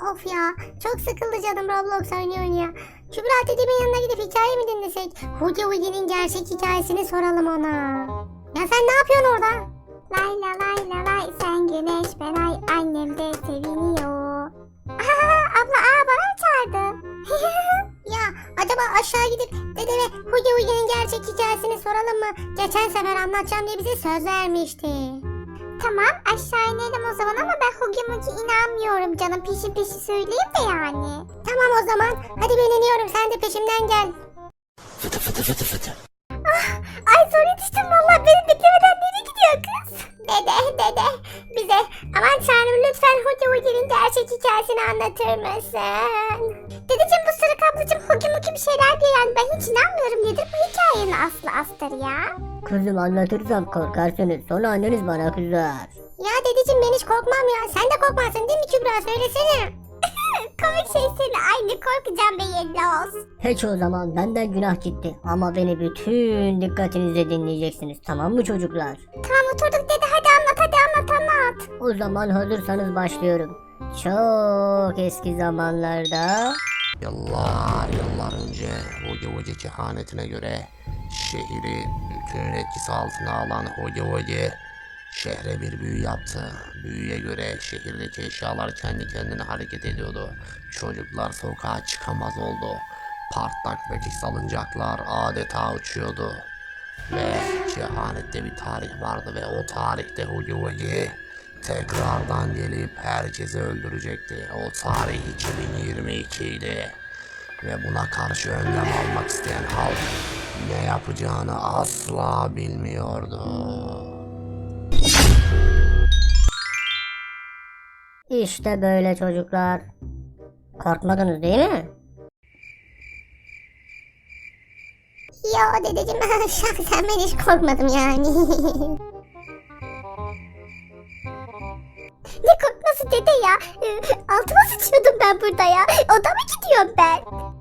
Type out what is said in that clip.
Of ya, çok sıkıldı canım Roblox oynuyor. Kübra dedemin yanına gidip hikaye mi dinlesek? Hugi Hugi'nin gerçek hikayesini soralım ona. Ya sen ne yapıyorsun orada? Lay la lay la lay sen güneş ben ay annem de seviniyor. Abla bana mı çağırdı? Ya acaba aşağı gidip dedeme Hugi Hugi'nin gerçek hikayesini soralım mı? Geçen sefer anlatacağım diye bize söz vermişti. Tamam aşağı inelim o zaman ama ben Hugi Mugi inanmıyorum canım peşi söyleyeyim de yani. Tamam o zaman. Hadi ben iniyorum. Sen de peşimden gel. Fıtı fıtı fıtı fıtı. Ay zor yetiştim valla beni beklemeden nereye gidiyor kız? Dede bize aman tanrım lütfen Hugi Hugi'nin gerçek hikayesini anlatır mısın? Dedeciğim bu sırık ablacığım Hugi Mugi bir şeyler diyor yani ben hiç inanmıyorum nedir bu hikayenin aslı astarı ya? Kızım anlatırsam korkarsınız. Sonra anneniz bana kızar. Ya dedeciğim ben hiç korkmam ya. Sen de korkmazsın değil mi Kübra? Söylesene. Komik şey seni aynı korkacağım be yerli olsun. Peki o zaman benden günah gitti. Ama beni bütün dikkatinizle dinleyeceksiniz. Tamam mı çocuklar? Tamam oturduk dede hadi anlat. O zaman hazırsanız başlıyorum. Çok eski zamanlarda Yıllar önce Hugi Hugi kehanetine göre şehri bütün etkisi altına alan Hugi Hugi şehre bir büyü yaptı. Büyüye göre şehirdeki eşyalar kendi kendine hareket ediyordu. Çocuklar sokağa çıkamaz oldu. Parklardaki salıncaklar adeta uçuyordu. Ve kehanette bir tarih vardı ve o tarihte Hugi Hugi tekrardan gelip herkesi öldürecekti. O tarih 2022 idi. Ve buna karşı önlem almak isteyen halk ne yapacağını asla bilmiyordu. işte böyle çocuklar. Korkmadınız değil mi? Ya dedeciğim şahsen ben hiç korkmadım yani. Ne korkması dede ya? Altıma sıçıyordum ben burada ya. Odama gidiyorum ben.